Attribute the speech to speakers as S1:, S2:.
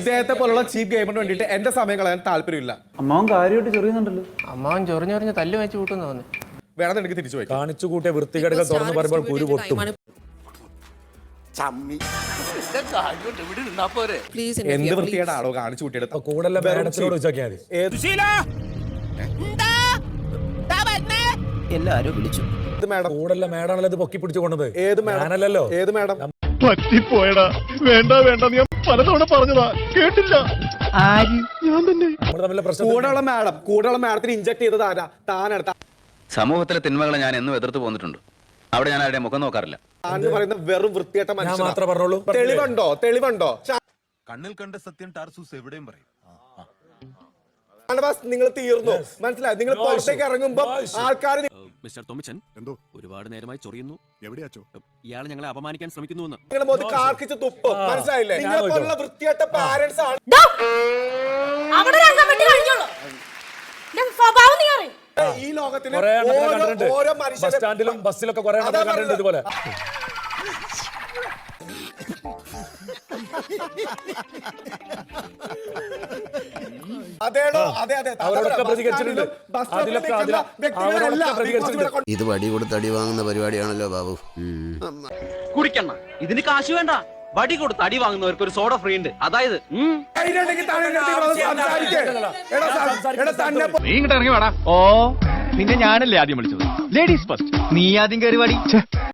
S1: ഇദ്ദേഹത്തെ പോലുള്ള ചീപ്പ് ഗെയിമിന് വേണ്ടിയിട്ട് എന്റെ സമയം കളയാൻ താല്പര്യമില്ല.
S2: അമ്മാവൻ കാര്യമായിട്ട് ചെറിയുന്നുണ്ടല്ലോ.
S3: അമ്മാവൻ ചൊറിഞ്ഞൊറിഞ്ഞ് തല്ലു വെച്ച് കൂട്ടുന്നു തോന്നുന്നു.
S1: വേണമെന്ന് എനിക്ക് തിരിച്ചു പോയി.
S4: കാണിച്ചു കൂട്ടിയ വൃത്തികേടുകൾ തുറന്നു പറയുമ്പോൾ കുരു പൊട്ടും.
S1: എന്ത് വൃത്തികേടാണോ കാണിച്ചു കൂട്ടിയത്?
S4: കൂടുതൽ മേഡത്തിനോട് ചോദിച്ചാൽ
S3: എല്ലാരും വിളിച്ചു.
S4: കൂടുതൽ മേഡാണല്ലോ ഇത് പൊക്കി പിടിച്ചു കൊണ്ടത്.
S1: ഏത് മേഡമല്ലോ? ഏത് മേഡം?
S5: പറ്റിപ്പോയടാ. വേണ്ട ഞാൻ പലതവണ പറഞ്ഞതാ, കേട്ടില്ല.
S1: കൂടെയുള്ള മാഡത്തിന് ഇഞ്ചക്ട് ചെയ്തത് ആരാ? താനാണ്.
S6: സമൂഹത്തിലെ തിന്മകളെ ഞാൻ എന്നും എതിർത്ത് പോന്നിട്ടുണ്ട്. അവിടെ ഞാൻ ആരുടെ മുഖം നോക്കാറില്ല.
S1: പറയുന്ന വെറും വൃത്തിയേട്ട മനുഷ്യൻ
S4: മാത്രമേ പറഞ്ഞോളൂ.
S1: തെളിവുണ്ടോ?
S7: കണ്ണിൽ കണ്ട സത്യം ടാർസൂസ് എവിടെയും പറയും.
S1: നിങ്ങൾ തീർന്നു, മനസ്സിലായി? നിങ്ങൾ പുറത്തേക്ക് ഇറങ്ങുമ്പോ ആൾക്കാർ
S8: മിസ്റ്റർ തോമച്ചൻ എന്തോ ഒരുപാട് നേരമായി ചൊറിയുന്നു. എവിടെയാച്ചോ? ഇയാളെ ഞങ്ങളെ അപമാനിക്കാൻ ശ്രമിക്കുന്നു.
S1: നിങ്ങളുടെ കാർക്കിച്ച് തുപ്പും, മനസ്സിലായില്ലേ? നിങ്ങളെ പോലുള്ള വൃത്തിയേട്ട പാരന്റ്സ് ആണ് ഈ ലോകത്തിന് ഓരോ
S4: സ്റ്റാൻഡിലും ബസ്സിലൊക്കെ കുറെ കണ്ടിട്ടുണ്ട് ഇതുപോലെ.
S9: ഇത് വടി കൊടുത്ത് അടി വാങ്ങുന്ന പരിപാടിയാണല്ലോ ബാബു.
S10: കുടിക്കണ്ട, ഇതിന് കാശ് വേണ്ട. വടി കൊടുത്ത് അടി വാങ്ങുന്നവർക്ക് ഒരു സോഡ ഫ്രീ ഉണ്ട്. അതായത്
S5: നീ ഇങ്ങോട്ട് ഇറങ്ങി വേടാ. ഓ, പിന്നെ ഞാനല്ലേ ആദ്യം വിളിച്ചത്. Ladies first. നീ ആദ്യം കയറി വാടി.